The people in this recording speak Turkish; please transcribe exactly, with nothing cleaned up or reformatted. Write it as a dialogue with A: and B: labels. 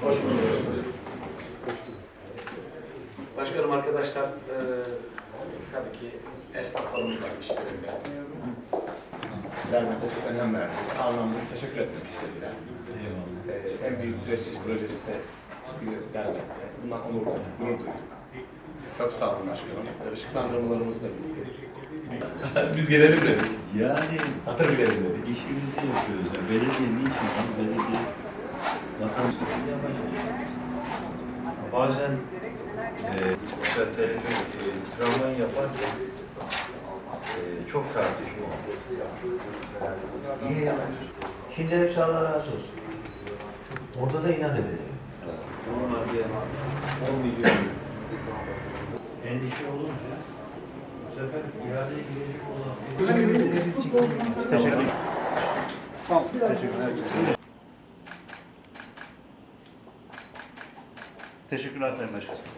A: Hoş bulduk. Başkanım, arkadaşlar, e, tabii ki esnaflarımız var işlerinde. Derneğe çok önem verdi. Anlamda teşekkür etmek istediler. E, en büyük prestij projesi de bir dernekte. Bundan onur duyduk, gurur duyduk. Çok sağ olun başkanım. Işıklandırmalarımız da bitti. Biz gelelim dedik.
B: Yani
A: Hatır bilelim dedik.
B: işimizi yapıyoruz. Yani belediye niçin? Belediye vatan bazen e, mesela telefon, e, tramvay yaparken e, çok tartışma oldu. Niye yapıyorsun? Şimdi hepsi Allah razı olsun. Orada da inat edelim. Normalde on milyon endişe olunca bu sefer iadeye girecek olan
C: Teşekkür Tamam, teşekkürler. Teşekkürler Sayın Başkanım.